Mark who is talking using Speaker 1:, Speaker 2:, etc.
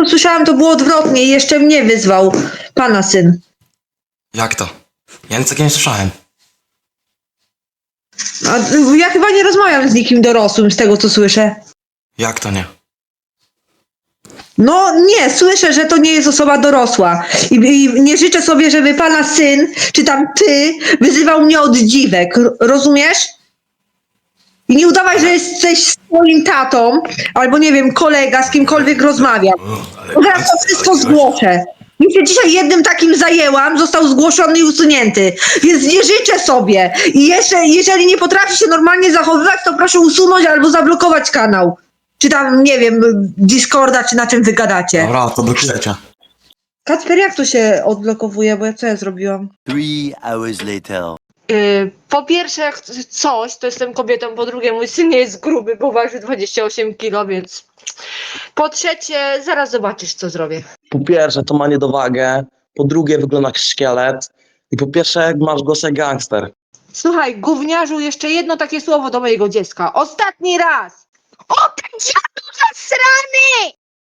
Speaker 1: słyszałam, to było odwrotnie i jeszcze mnie wyzwał pana syn.
Speaker 2: Jak to? Ja nic takiego nie słyszałem.
Speaker 1: A ja chyba nie rozmawiam z nikim dorosłym, z tego co słyszę.
Speaker 2: Jak to nie?
Speaker 1: No nie, słyszę, że to nie jest osoba dorosła. I nie życzę sobie, żeby pana syn, czy tam ty, wyzywał mnie od dziwek. Rozumiesz? I nie udawaj, że jesteś swoim tatą, albo nie wiem, kolega, z kimkolwiek rozmawiam. Bo zaraz to wszystko zgłoszę. Już się dzisiaj jednym takim zajęłam, został zgłoszony i usunięty. Więc nie życzę sobie. I jeszcze, jeżeli nie potrafi się normalnie zachowywać, to proszę usunąć albo zablokować kanał. Czy tam, nie wiem, Discorda, czy na czym wy gadacie.
Speaker 2: Dobra, to blokujecie.
Speaker 1: Kacper, jak to się odblokowuje? Bo co ja zrobiłam?
Speaker 3: 3 hours later.
Speaker 1: Po pierwsze, jak coś, to jestem kobietą, po drugie, mój syn nie jest gruby, bo waży 28 kg, więc... Po trzecie, zaraz zobaczysz, co zrobię.
Speaker 4: Po pierwsze, to ma niedowagę, po drugie, wygląda jak szkielet i po pierwsze, masz głos jak gangster.
Speaker 1: Słuchaj, gówniarzu, jeszcze jedno takie słowo do mojego dziecka. Ostatni raz! O, ten dziadu zasrany!